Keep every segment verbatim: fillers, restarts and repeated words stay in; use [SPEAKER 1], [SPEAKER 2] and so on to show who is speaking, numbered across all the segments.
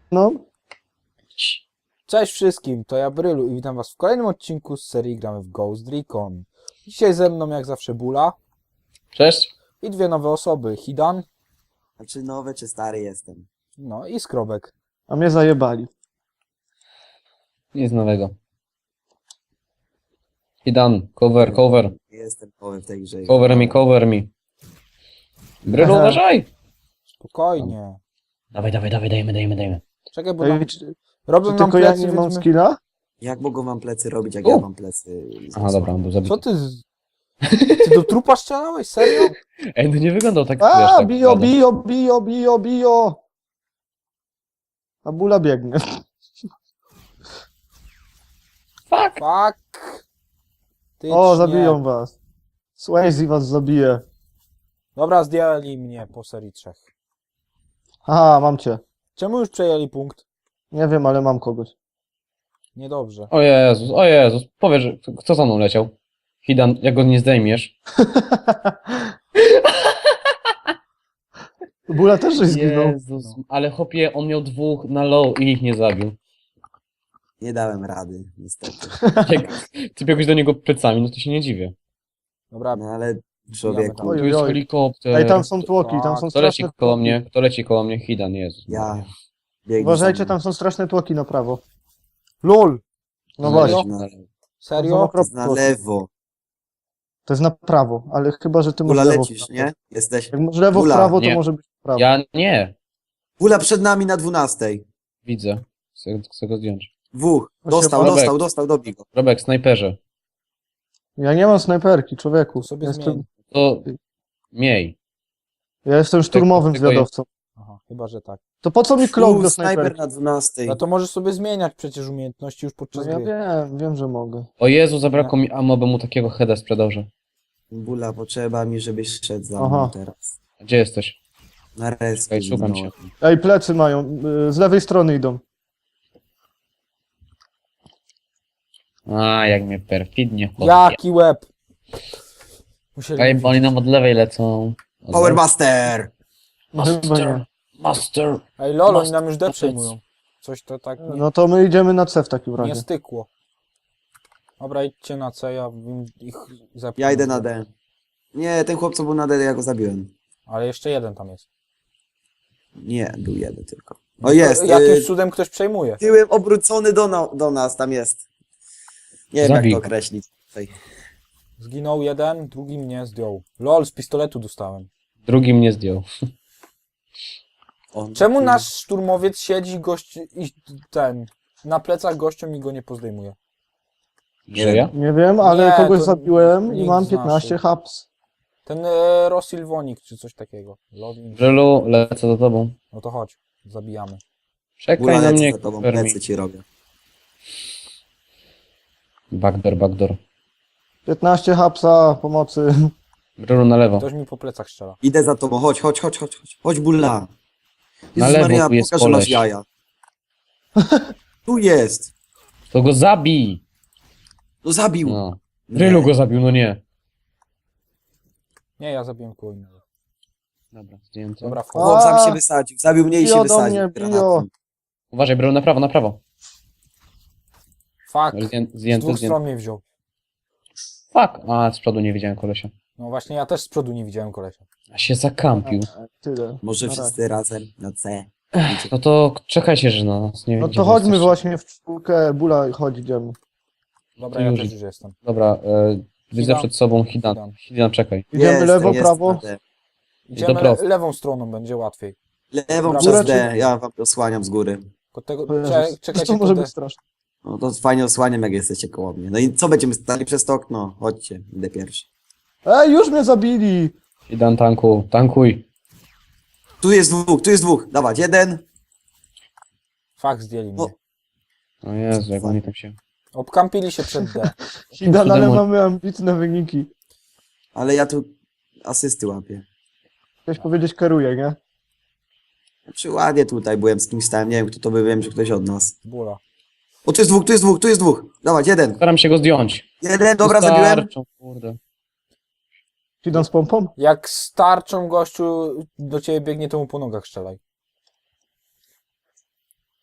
[SPEAKER 1] No.
[SPEAKER 2] Cześć wszystkim, to ja Brylu i witam was w kolejnym odcinku z serii Gramy w Ghost Recon. Dzisiaj ze mną jak zawsze Bula
[SPEAKER 3] Cześć.
[SPEAKER 2] i dwie nowe osoby, Hidan,
[SPEAKER 4] Znaczy nowy czy stary jestem?
[SPEAKER 2] no i Skrobek.
[SPEAKER 1] A mnie zajebali.
[SPEAKER 3] Nic nowego. Hidan, cover, cover.
[SPEAKER 4] Nie jestem nowy w tej grze.
[SPEAKER 3] Cover me, cover me. Brylu,
[SPEAKER 1] Aha.
[SPEAKER 3] uważaj!
[SPEAKER 2] Spokojnie.
[SPEAKER 3] Dawaj, dawaj, dawaj, dajmy, dajmy, dajmy.
[SPEAKER 2] Czekaj, bo
[SPEAKER 1] Ej,
[SPEAKER 2] nam,
[SPEAKER 1] czy,
[SPEAKER 2] robią
[SPEAKER 1] czy
[SPEAKER 2] nam
[SPEAKER 1] tylko ja
[SPEAKER 2] plecy,
[SPEAKER 1] nie
[SPEAKER 2] więc
[SPEAKER 1] mam
[SPEAKER 2] my...
[SPEAKER 1] skilla?
[SPEAKER 4] Jak mogą wam plecy robić, jak
[SPEAKER 3] U.
[SPEAKER 4] ja mam plecy?
[SPEAKER 3] Aha, dobra, on był zabity.
[SPEAKER 2] Co ty z... Ty do trupa strzelałeś? Serio?
[SPEAKER 3] Ej, no nie wyglądał tak, wiesz,
[SPEAKER 1] A,
[SPEAKER 3] tak
[SPEAKER 1] bio,
[SPEAKER 3] blado.
[SPEAKER 1] bio, bio, bio, bio. A Bula biegnie.
[SPEAKER 3] Fuck!
[SPEAKER 2] Fuck. Ty
[SPEAKER 1] O,
[SPEAKER 2] nie.
[SPEAKER 1] zabiją was. Swayze was zabije.
[SPEAKER 2] Dobra, zdjęli mnie po serii trzech.
[SPEAKER 1] Aha, mam cię.
[SPEAKER 2] Czemu już przejęli punkt?
[SPEAKER 1] Nie wiem, ale mam kogoś.
[SPEAKER 2] Niedobrze.
[SPEAKER 3] O Jezus, o Jezus, powiedz, że kto za mną leciał? Hidan, jak go nie zdejmiesz?
[SPEAKER 1] Bula też coś zginął.
[SPEAKER 3] Jezus, ale chłopie, on miał dwóch na low i ich nie zabił.
[SPEAKER 4] Nie dałem rady, niestety.
[SPEAKER 3] Jak ty biegłeś do niego plecami, no to się nie dziwię.
[SPEAKER 2] Dobra,
[SPEAKER 4] No ale człowieku,
[SPEAKER 1] Oj,
[SPEAKER 3] Tu jest
[SPEAKER 1] oj.
[SPEAKER 3] helikopter.
[SPEAKER 1] Ej, tam są tłoki, tam są
[SPEAKER 3] Kto leci
[SPEAKER 1] straszne
[SPEAKER 3] koło
[SPEAKER 1] tłoki.
[SPEAKER 3] mnie? Kto leci koło mnie? Hidan, Jezus.
[SPEAKER 4] ja biegnę.
[SPEAKER 1] Uważajcie, tam są straszne tłoki na prawo.
[SPEAKER 2] LOL.
[SPEAKER 1] No
[SPEAKER 3] Serio?
[SPEAKER 1] właśnie.
[SPEAKER 4] Na,
[SPEAKER 2] Serio?
[SPEAKER 1] To są
[SPEAKER 4] na
[SPEAKER 1] tłoki.
[SPEAKER 4] lewo.
[SPEAKER 1] To jest na prawo, ale chyba, że ty masz
[SPEAKER 4] Gula
[SPEAKER 1] lewo.
[SPEAKER 4] lecisz, nie? Jesteś.
[SPEAKER 1] Jak masz lewo w
[SPEAKER 4] Bula,
[SPEAKER 1] prawo, to
[SPEAKER 3] nie.
[SPEAKER 1] może być w prawo.
[SPEAKER 3] Ja nie.
[SPEAKER 4] Gula przed nami na dwunastej.
[SPEAKER 3] Widzę. Chcę, chcę go zdjąć.
[SPEAKER 4] Dwóch.
[SPEAKER 1] To się
[SPEAKER 4] Dostał,
[SPEAKER 3] Robek.
[SPEAKER 4] dostał, dostał, dobij go.
[SPEAKER 3] Robek, snajperze.
[SPEAKER 1] Ja nie mam snajperki, człowieku.
[SPEAKER 2] To sobie
[SPEAKER 1] Ja
[SPEAKER 2] zmień.
[SPEAKER 1] jestem,
[SPEAKER 3] To miej.
[SPEAKER 1] ja jestem szturmowym
[SPEAKER 3] tylko ja-
[SPEAKER 1] zwiadowcą.
[SPEAKER 2] Aha, chyba, że tak.
[SPEAKER 1] To po co mi klok
[SPEAKER 4] Uuu,
[SPEAKER 1] do
[SPEAKER 4] snajper
[SPEAKER 1] snajperki?
[SPEAKER 4] na dwunastej.
[SPEAKER 2] No to możesz sobie zmieniać przecież umiejętności już
[SPEAKER 1] No
[SPEAKER 2] podczas
[SPEAKER 1] ja
[SPEAKER 2] gry.
[SPEAKER 1] wiem, wiem, że mogę.
[SPEAKER 3] O Jezu, zabrakło mi ammo, bym mu takiego heada sprzedał, że...
[SPEAKER 4] Bula, potrzeba mi, żebyś szedł za
[SPEAKER 1] Aha.
[SPEAKER 4] mną teraz.
[SPEAKER 3] Gdzie jesteś?
[SPEAKER 4] Na rescue.
[SPEAKER 3] Ej, szukam cię.
[SPEAKER 4] zginąłem.
[SPEAKER 1] Ej, plecy mają. y, Z lewej strony idą.
[SPEAKER 3] A, jak mnie perfidnie chodzi.
[SPEAKER 2] Jaki łeb! Musieli
[SPEAKER 3] Ej, bo oni nam od lewej lecą. Od
[SPEAKER 4] Power
[SPEAKER 3] lewej.
[SPEAKER 4] Buster!
[SPEAKER 1] No chyba nie.
[SPEAKER 3] Master!
[SPEAKER 2] Ej, lol, oni
[SPEAKER 3] Must-
[SPEAKER 2] nam już D
[SPEAKER 3] must-
[SPEAKER 2] przejmują. Coś to tak nie,
[SPEAKER 1] No to my idziemy na C w takim
[SPEAKER 2] nie
[SPEAKER 1] razie.
[SPEAKER 2] stykło. Dobra, idźcie na C, ja bym ich zepchnął.
[SPEAKER 4] Ja idę na D. Nie, ten chłop co był na D, ja go zabiłem.
[SPEAKER 2] Ale jeszcze jeden tam jest.
[SPEAKER 4] Nie, był jeden tylko. O jest!
[SPEAKER 2] Jakimś
[SPEAKER 4] y,
[SPEAKER 2] cudem ktoś przejmuje.
[SPEAKER 4] Tyłem obrócony do, na, do nas, tam jest. Nie wiem
[SPEAKER 3] Zabij
[SPEAKER 4] jak to
[SPEAKER 3] go.
[SPEAKER 4] określić. Tutaj.
[SPEAKER 2] Zginął jeden, drugi mnie zdjął. Lol, z pistoletu dostałem.
[SPEAKER 3] Drugi mnie zdjął.
[SPEAKER 4] On,
[SPEAKER 2] Czemu nasz szturmowiec siedzi gość i ten na plecach gościom i go nie pozdejmuje?
[SPEAKER 3] Że ja?
[SPEAKER 1] Nie wiem, ale
[SPEAKER 2] Nie,
[SPEAKER 1] kogoś
[SPEAKER 2] to
[SPEAKER 1] zabiłem i
[SPEAKER 2] nikt
[SPEAKER 1] mam
[SPEAKER 2] z
[SPEAKER 1] piętnaście
[SPEAKER 2] naszych.
[SPEAKER 1] haps.
[SPEAKER 2] Ten e, Rosilwonik czy coś takiego. Lol,
[SPEAKER 3] Brylu, lecę za tobą.
[SPEAKER 2] no to chodź, zabijamy.
[SPEAKER 3] Czekaj
[SPEAKER 4] Bula,
[SPEAKER 3] na
[SPEAKER 4] lecę
[SPEAKER 3] mnie,
[SPEAKER 4] za tobą,
[SPEAKER 3] cover me.
[SPEAKER 4] plecy ci robię.
[SPEAKER 3] Backdoor, backdoor.
[SPEAKER 1] piętnaście hapsa, pomocy.
[SPEAKER 3] Brylu na lewo.
[SPEAKER 2] Ktoś mi po plecach strzela.
[SPEAKER 4] Idę za tobą, chodź, chodź, chodź, chodź, chodź, chodź Bulla.
[SPEAKER 3] Na
[SPEAKER 4] Jezus
[SPEAKER 3] lewo
[SPEAKER 4] Maria,
[SPEAKER 3] tu jest
[SPEAKER 4] pokaż, że masz
[SPEAKER 3] koleś.
[SPEAKER 4] jaja. Tu jest.
[SPEAKER 3] To go zabij!
[SPEAKER 4] No zabił.
[SPEAKER 3] No. Brylu go zabił, no nie.
[SPEAKER 2] Nie, ja zabiłem kogo innego.
[SPEAKER 3] Dobra, zdjęty.
[SPEAKER 2] Dobra, wchodź.
[SPEAKER 4] Chłop sam
[SPEAKER 1] A,
[SPEAKER 4] się wysadził, zabił mnie i
[SPEAKER 1] bio
[SPEAKER 4] się
[SPEAKER 1] do
[SPEAKER 4] wysadził.
[SPEAKER 1] mnie,
[SPEAKER 4] granatem.
[SPEAKER 1] bio.
[SPEAKER 3] Uważaj, Brylu, na prawo, na prawo.
[SPEAKER 2] Fuck,
[SPEAKER 3] Zdję-
[SPEAKER 2] z
[SPEAKER 3] Zdjęty,
[SPEAKER 2] dwóch
[SPEAKER 3] zdjęty.
[SPEAKER 2] stron mnie wziął.
[SPEAKER 3] Fuck! A, z przodu nie widziałem kolesia.
[SPEAKER 2] No właśnie, ja też z przodu nie widziałem kolesia.
[SPEAKER 3] A się zakampił.
[SPEAKER 1] Tyle.
[SPEAKER 4] Może
[SPEAKER 1] Na razie.
[SPEAKER 4] wszyscy razem na C.
[SPEAKER 3] No to czekajcie, że na nas nie
[SPEAKER 1] No
[SPEAKER 3] gdzie
[SPEAKER 1] to
[SPEAKER 3] wy
[SPEAKER 1] chodźmy
[SPEAKER 3] jesteście.
[SPEAKER 1] właśnie w czwórkę. Bula, chodź, idziemy.
[SPEAKER 2] Dobra,
[SPEAKER 3] To
[SPEAKER 2] ja
[SPEAKER 3] już
[SPEAKER 2] też
[SPEAKER 3] idź.
[SPEAKER 2] już jestem.
[SPEAKER 3] Dobra, e, widzę
[SPEAKER 2] Hidan.
[SPEAKER 3] przed sobą Hidan.
[SPEAKER 2] Hidan.
[SPEAKER 3] Hidan, czekaj.
[SPEAKER 1] Idziemy
[SPEAKER 4] Jestem,
[SPEAKER 1] lewo,
[SPEAKER 4] jestem
[SPEAKER 1] prawo.
[SPEAKER 4] na D.
[SPEAKER 2] Idziemy
[SPEAKER 3] to prosto.
[SPEAKER 2] le lewą stroną, będzie łatwiej.
[SPEAKER 4] Lewą
[SPEAKER 2] Dobra,
[SPEAKER 4] przez
[SPEAKER 1] górę
[SPEAKER 4] D, ja wam to osłaniam z góry.
[SPEAKER 2] Tylko tego,
[SPEAKER 1] To Jezus,
[SPEAKER 2] cze czekajcie,
[SPEAKER 1] to może
[SPEAKER 2] to
[SPEAKER 1] być straszne.
[SPEAKER 4] No to fajnie osłaniam, jak jesteście koło mnie. No i co, będziemy stali przez to okno? Chodźcie, idę pierwszy.
[SPEAKER 1] Ej, już mnie zabili!
[SPEAKER 3] Hidan, tanku, tankuj.
[SPEAKER 4] Tu jest dwóch, tu jest dwóch. Dawać, jeden.
[SPEAKER 2] Fuck, zdjęli mnie.
[SPEAKER 4] O.
[SPEAKER 3] O Jezu, jak oni tam się...
[SPEAKER 2] Obkampili się przed D.
[SPEAKER 1] Hidan, ale
[SPEAKER 3] Cudem-
[SPEAKER 1] mamy ambitne wyniki.
[SPEAKER 4] Ale ja tu asysty łapię.
[SPEAKER 1] Chciałeś powiedzieć kieruję, nie?
[SPEAKER 4] Znaczy ładnie tutaj byłem, z kimś stałem, nie wiem kto to by, wiem, że ktoś od nas.
[SPEAKER 2] Bóla.
[SPEAKER 4] O, tu jest dwóch, tu jest dwóch, tu jest dwóch. Dawać, jeden.
[SPEAKER 3] Staram się go zdjąć.
[SPEAKER 4] Jeden, dobra, zabiłem.
[SPEAKER 3] Wystarczą, kurde.
[SPEAKER 1] Hidan z pompą?
[SPEAKER 2] Jak starczą gościu do ciebie biegnie, to mu po nogach strzelaj.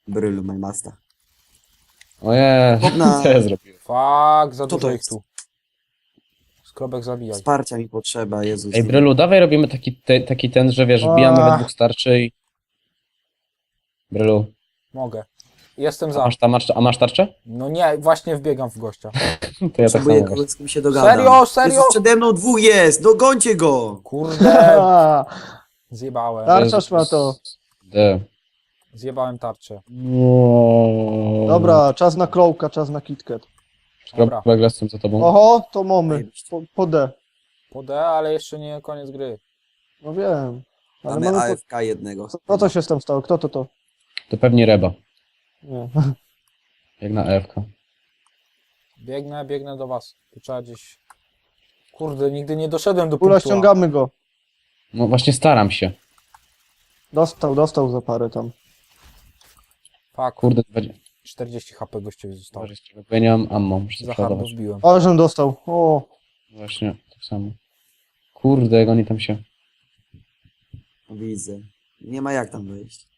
[SPEAKER 4] Brylu, my masta.
[SPEAKER 3] Ojej,
[SPEAKER 4] Chłopna.
[SPEAKER 3] co ja zrobiłem?
[SPEAKER 2] Fuck, za
[SPEAKER 4] Co to
[SPEAKER 2] dużo ich
[SPEAKER 4] jest?
[SPEAKER 2] tu. Skrobek zabijaj.
[SPEAKER 4] Wsparcia mi potrzeba, Jezus.
[SPEAKER 3] Ej, Brylu, dawaj robimy taki, te, taki ten, że wiesz, wbijamy we
[SPEAKER 1] Ach.
[SPEAKER 3] dwóch starczy i... Brylu,
[SPEAKER 2] Mogę. Jestem
[SPEAKER 3] a
[SPEAKER 2] za.
[SPEAKER 3] masz, ta, masz, a masz tarczę?
[SPEAKER 2] No nie, właśnie wbiegam w gościa.
[SPEAKER 3] To ja tak
[SPEAKER 4] Potrzebuję
[SPEAKER 3] samo właśnie.
[SPEAKER 4] kogoś, z kim się dogadam.
[SPEAKER 2] Serio, serio?
[SPEAKER 4] Jezus, przede mną dwóch jest, dogońcie go!
[SPEAKER 2] Kurde,
[SPEAKER 1] A,
[SPEAKER 2] zjebałem.
[SPEAKER 1] Tarczasz ma to.
[SPEAKER 3] D.
[SPEAKER 2] Zjebałem tarczę.
[SPEAKER 1] Dobra, czas na Crowka, czas na KitKat.
[SPEAKER 2] Dobra,
[SPEAKER 3] Kropek jestem za tobą.
[SPEAKER 1] Oho, to mamy. Po, po D.
[SPEAKER 2] po D, ale jeszcze nie koniec gry.
[SPEAKER 1] No wiem. Ale
[SPEAKER 4] Mamy
[SPEAKER 1] mamy
[SPEAKER 4] A
[SPEAKER 1] po...
[SPEAKER 4] F K jednego.
[SPEAKER 1] Co, co, co się z tym stało? Kto to to?
[SPEAKER 3] To pewnie Reba,
[SPEAKER 1] Nie.
[SPEAKER 3] jak na E F K.
[SPEAKER 2] Biegnę, biegnę do was. Tu trzeba gdzieś... Kurde, nigdy nie doszedłem do
[SPEAKER 1] Kula,
[SPEAKER 2] punktu A.
[SPEAKER 1] ściągamy go.
[SPEAKER 3] No właśnie staram się.
[SPEAKER 1] Dostał, dostał za parę tam.
[SPEAKER 2] Fuck,
[SPEAKER 3] Kurde, dwadzieścia.
[SPEAKER 2] czterdzieści H P gościowi zostało.
[SPEAKER 3] Może jeszcze, bo ja nie mam ammo, muszę
[SPEAKER 2] Za
[SPEAKER 3] to
[SPEAKER 2] hardo
[SPEAKER 3] przeładować.
[SPEAKER 2] wbiłem.
[SPEAKER 1] Ale żem dostał. O,
[SPEAKER 3] Właśnie, tak samo. Kurde, jak oni tam się...
[SPEAKER 4] Widzę. Nie ma jak tam wejść.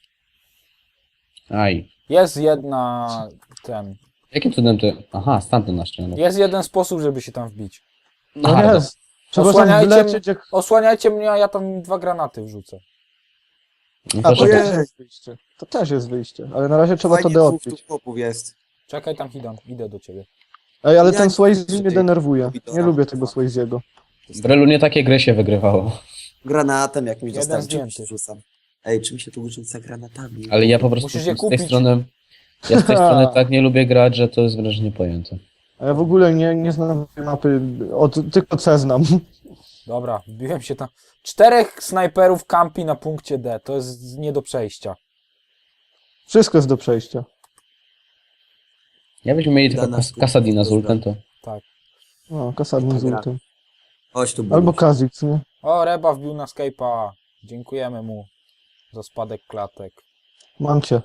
[SPEAKER 3] Aj.
[SPEAKER 2] Jest jedna... ten...
[SPEAKER 3] Jakim cudem ty... Aha, stamtąd na ścianę.
[SPEAKER 2] Jest jeden sposób, żeby się tam wbić.
[SPEAKER 1] no
[SPEAKER 3] Aha,
[SPEAKER 1] jest. Trzeba tam
[SPEAKER 2] Osłaniajcie
[SPEAKER 1] wlecieć jak...
[SPEAKER 2] Osłaniajcie mnie, a ja tam dwa granaty wrzucę.
[SPEAKER 3] No
[SPEAKER 1] A,
[SPEAKER 3] to
[SPEAKER 1] to
[SPEAKER 3] czekaj.
[SPEAKER 1] też jest wyjście. To też jest wyjście. Ale na razie trzeba to
[SPEAKER 4] Fajnie,
[SPEAKER 1] D
[SPEAKER 4] dwóch tu
[SPEAKER 1] odpić.
[SPEAKER 4] chłopów jest.
[SPEAKER 2] Czekaj tam, Hidan, idę do ciebie.
[SPEAKER 1] Ej, ale
[SPEAKER 4] Ja
[SPEAKER 1] ten
[SPEAKER 4] nie
[SPEAKER 1] Swayze
[SPEAKER 4] chcę
[SPEAKER 1] mnie
[SPEAKER 4] tej-
[SPEAKER 1] denerwuje.
[SPEAKER 4] tej-
[SPEAKER 1] Nie lubię tego Swayze'ego.
[SPEAKER 3] Brelu nie takie gry się wygrywało.
[SPEAKER 4] Granatem jakimś
[SPEAKER 2] Jeden
[SPEAKER 4] dostałem. Czym
[SPEAKER 2] zdjęty.
[SPEAKER 4] się rzucam? Ej, czym się tu rzuca granatami?
[SPEAKER 3] Ale ja po prostu
[SPEAKER 2] Musisz je
[SPEAKER 3] z tej
[SPEAKER 2] kupić.
[SPEAKER 3] strony... Ja z tej strony tak nie lubię grać, że to jest wręcz niepojęte.
[SPEAKER 1] A ja w ogóle nie, nie znam tej mapy. Od, tylko C znam.
[SPEAKER 2] Dobra, wbiłem się tam. Czterech snajperów kampi na punkcie D. To jest nie do przejścia.
[SPEAKER 1] Wszystko jest do przejścia.
[SPEAKER 3] Jakbyśmy mieli tylko
[SPEAKER 4] Dana
[SPEAKER 3] kas
[SPEAKER 4] sztuka,
[SPEAKER 3] Kasadina z
[SPEAKER 4] to
[SPEAKER 3] ultem, to...
[SPEAKER 1] No, kasadny z
[SPEAKER 4] Gra.
[SPEAKER 1] ultem.
[SPEAKER 4] Chodź tu,
[SPEAKER 1] Albo
[SPEAKER 4] Albo...
[SPEAKER 1] Kazix, nie?
[SPEAKER 2] O, Reba wbił na Skype'a. Dziękujemy mu za spadek klatek.
[SPEAKER 1] Mam cię.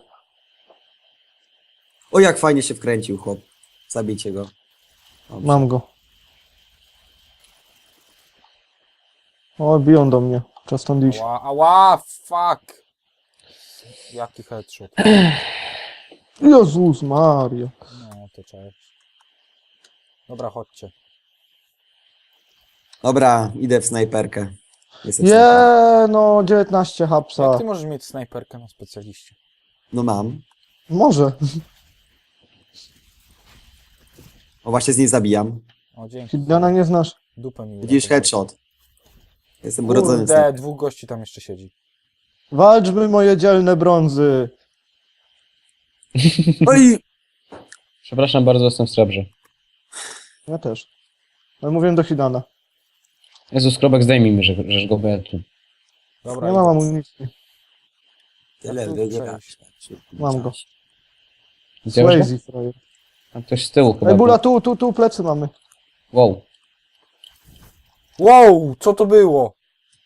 [SPEAKER 4] O, jak fajnie się wkręcił chłop. Zabijcie go. Dobrze.
[SPEAKER 1] Mam go. O, biją do mnie. Czas stąd iść.
[SPEAKER 2] Ała, ała, fuck. Jaki headshot.
[SPEAKER 1] Jezus Maria.
[SPEAKER 2] No, to cześć. Dobra, chodźcie.
[SPEAKER 4] Dobra, idę w snajperkę. Jestem snajperem.
[SPEAKER 1] Je, no dziewiętnaście
[SPEAKER 2] Jak
[SPEAKER 1] hapsa.
[SPEAKER 2] ty możesz mieć snajperkę na specjaliście?
[SPEAKER 4] No mam.
[SPEAKER 1] Może.
[SPEAKER 4] O, właśnie z nim zabijam.
[SPEAKER 2] O, dzięki.
[SPEAKER 1] Hidana nie znasz.
[SPEAKER 2] Dupę mi
[SPEAKER 4] Widzisz,
[SPEAKER 2] uratowałeś.
[SPEAKER 4] headshot. Jestem urodzonym
[SPEAKER 2] Kurde,
[SPEAKER 4] snajperem.
[SPEAKER 2] dwóch gości tam jeszcze siedzi.
[SPEAKER 1] Walczmy moje dzielne brązy.
[SPEAKER 4] Oj!
[SPEAKER 3] Przepraszam bardzo, jestem w srebrze.
[SPEAKER 1] Ja też. Ale mówiłem do Hidana.
[SPEAKER 3] Jezus, Krobek, zdejmij mi, że, że go boję tu.
[SPEAKER 2] Dobra,
[SPEAKER 1] Nie mam
[SPEAKER 2] idę.
[SPEAKER 1] amunicji.
[SPEAKER 4] Tyle
[SPEAKER 2] Ja tu
[SPEAKER 4] wygrać.
[SPEAKER 1] Mam go.
[SPEAKER 3] Widziałeś go?
[SPEAKER 1] Swayze, frajer.
[SPEAKER 3] Tam ktoś z tyłu chyba
[SPEAKER 1] Ej, Bula,
[SPEAKER 3] był.
[SPEAKER 1] tu, tu, tu, plecy mamy.
[SPEAKER 3] Wow.
[SPEAKER 2] Wow, co to było?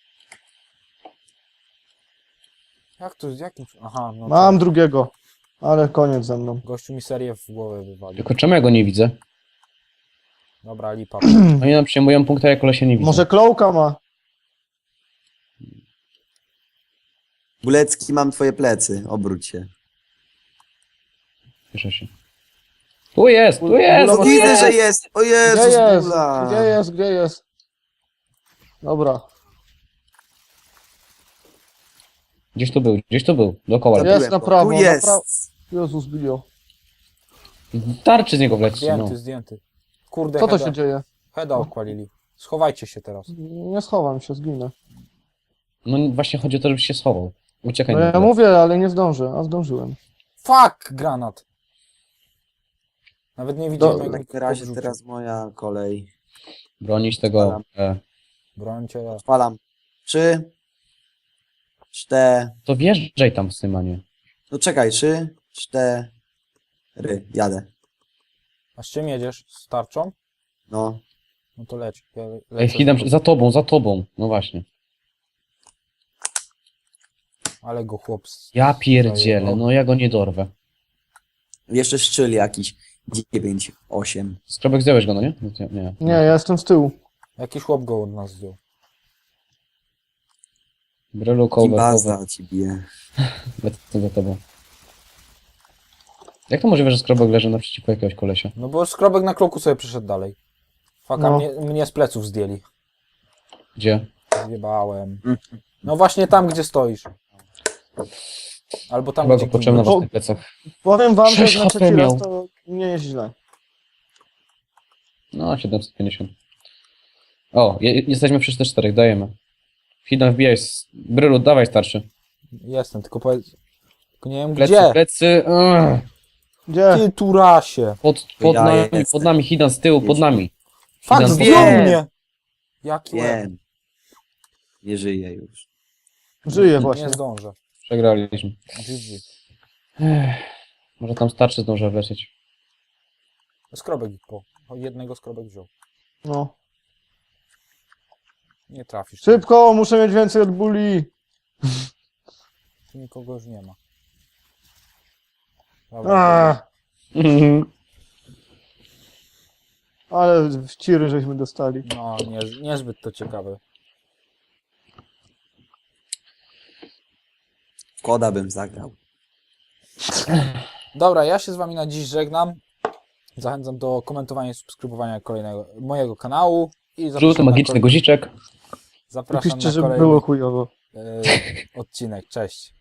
[SPEAKER 2] Jak to, jakim... Aha, no
[SPEAKER 1] Mam
[SPEAKER 2] to
[SPEAKER 1] drugiego. Ale koniec ze mną.
[SPEAKER 2] gościu mi serię w głowę wywalił.
[SPEAKER 3] Tylko czemu ja go nie widzę?
[SPEAKER 2] Dobra, lipa.
[SPEAKER 3] Oni nam przyjmują punkty, a ja kolesia nie widzę.
[SPEAKER 1] Może Klołka ma.
[SPEAKER 4] Bulecki, mam twoje plecy. Obróć się.
[SPEAKER 3] Cieszę się. Tu jest, tu jest!
[SPEAKER 1] No
[SPEAKER 4] No
[SPEAKER 1] bo
[SPEAKER 4] widzę,
[SPEAKER 1] jest.
[SPEAKER 4] że jest! O
[SPEAKER 1] Gdzie
[SPEAKER 4] Jezus,
[SPEAKER 1] jest?
[SPEAKER 4] Bula!
[SPEAKER 1] Gdzie jest? Gdzie jest? Dobra.
[SPEAKER 3] Gdzieś tu był, gdzieś tu był. Dookoła.
[SPEAKER 1] Jest
[SPEAKER 4] Zabiłem
[SPEAKER 1] na
[SPEAKER 4] go.
[SPEAKER 1] prawo,
[SPEAKER 4] Tu
[SPEAKER 1] na
[SPEAKER 4] jest!
[SPEAKER 1] prawo. Jezus, bilio.
[SPEAKER 3] Tarczy z niego wleci, no.
[SPEAKER 2] Zdjęty, zdjęty. Kurde,
[SPEAKER 1] Co to
[SPEAKER 2] heada,
[SPEAKER 1] się dzieje?
[SPEAKER 2] heada okłalili. Schowajcie się teraz.
[SPEAKER 1] Nie schowam się, zginę.
[SPEAKER 3] No właśnie chodzi o to, żebyś się schował. Uciekaj
[SPEAKER 1] No
[SPEAKER 3] na
[SPEAKER 1] ja
[SPEAKER 3] chwilę.
[SPEAKER 1] mówię, ale nie zdążę, a zdążyłem.
[SPEAKER 2] Fuck, granat. Nawet nie widziałem,
[SPEAKER 1] Do-
[SPEAKER 2] jak
[SPEAKER 4] W
[SPEAKER 2] mi
[SPEAKER 4] takim razie
[SPEAKER 2] podrzucił.
[SPEAKER 4] teraz moja kolej.
[SPEAKER 3] Bronić tego...
[SPEAKER 4] Palam.
[SPEAKER 3] E,
[SPEAKER 2] Brońcie.
[SPEAKER 4] Odpalam. Trzy. Cztery.
[SPEAKER 3] to wjeżdżaj tam, Symanie.
[SPEAKER 4] No czekaj, trzy. Cztery. Jadę.
[SPEAKER 2] A z czym jedziesz? Z tarczą?
[SPEAKER 4] No.
[SPEAKER 2] No to leć. Ja
[SPEAKER 3] Ej,
[SPEAKER 2] lecę
[SPEAKER 3] Hidam,
[SPEAKER 2] za-
[SPEAKER 3] za tobą, za tobą. No właśnie.
[SPEAKER 2] Ale go chłop... z-
[SPEAKER 3] Ja pierdzielę,
[SPEAKER 2] zajebał.
[SPEAKER 3] no ja go nie dorwę.
[SPEAKER 4] Jeszcze szczyl jakiś. Dziewięć, osiem.
[SPEAKER 3] Skrobek zdjąłeś go, no nie? No, nie, nie.
[SPEAKER 1] Nie, ja jestem z tyłu.
[SPEAKER 2] Jakiś chłop go od nas zdjął.
[SPEAKER 3] Brelu, cover, cover.
[SPEAKER 4] Baza ci bije.
[SPEAKER 3] Lecę za tobą. Jak to możliwe, że skrobek leży naprzeciwko jakiegoś kolesia?
[SPEAKER 2] No bo skrobek na kloku sobie przyszedł dalej. Faka,
[SPEAKER 1] No.
[SPEAKER 2] mnie, mnie z pleców zdjęli.
[SPEAKER 3] Gdzie?
[SPEAKER 2] Zjebałem. No właśnie tam, gdzie stoisz. Albo tam,
[SPEAKER 3] Chyba
[SPEAKER 2] gdzie
[SPEAKER 3] go poczułem na
[SPEAKER 2] giniesz.
[SPEAKER 3] własnych plecach.
[SPEAKER 1] Powiem wam, że
[SPEAKER 3] Sześć
[SPEAKER 1] jak na
[SPEAKER 3] H P
[SPEAKER 1] trzeci raz
[SPEAKER 3] miał.
[SPEAKER 1] to nie jest źle.
[SPEAKER 3] No, siedemset pięćdziesiąt. O, je, jesteśmy przy czterech, dajemy. Hidden wbijaj. z- Brylu, dawaj starszy.
[SPEAKER 2] Jestem, tylko powiedz... Tylko nie wiem
[SPEAKER 3] Plecy,
[SPEAKER 2] gdzie.
[SPEAKER 3] plecy. Ugh.
[SPEAKER 1] Gdzie?
[SPEAKER 2] Ty turasie.
[SPEAKER 3] Pod, pod
[SPEAKER 4] Ja
[SPEAKER 3] nami,
[SPEAKER 4] jestem.
[SPEAKER 3] pod nami, Hidan z tyłu, pod
[SPEAKER 4] Jestem.
[SPEAKER 3] nami.
[SPEAKER 2] Fak,
[SPEAKER 3] Hidan
[SPEAKER 2] zdjął
[SPEAKER 4] Wiem.
[SPEAKER 2] mnie! Jaki łeb.
[SPEAKER 4] Wiem. Nie żyje już.
[SPEAKER 1] Żyje
[SPEAKER 2] Nie
[SPEAKER 1] właśnie.
[SPEAKER 2] zdążę.
[SPEAKER 3] Przegraliśmy.
[SPEAKER 2] G G.
[SPEAKER 3] Ech, może tam starszy zdąży wlecieć.
[SPEAKER 2] Skrobek po. Jednego skrobek wziął.
[SPEAKER 1] No.
[SPEAKER 2] Nie trafisz.
[SPEAKER 1] Szybko, muszę mieć więcej od buli.
[SPEAKER 2] Tu nikogo już nie ma. Dobra,
[SPEAKER 1] Ach, ale w ciry żeśmy dostali.
[SPEAKER 2] no nie, niezbyt to ciekawe.
[SPEAKER 4] Koda bym zagrał.
[SPEAKER 2] Dobra, ja się z wami na dziś żegnam. Zachęcam do komentowania i subskrybowania kolejnego mojego kanału. I
[SPEAKER 3] Żółty
[SPEAKER 2] zapraszam na
[SPEAKER 3] magiczny
[SPEAKER 2] kolej-
[SPEAKER 3] guziczek.
[SPEAKER 2] Zapraszam
[SPEAKER 1] Napiszcie,
[SPEAKER 2] na
[SPEAKER 1] żeby
[SPEAKER 2] kolejny
[SPEAKER 1] było chujowo.
[SPEAKER 2] e, odcinek. Cześć.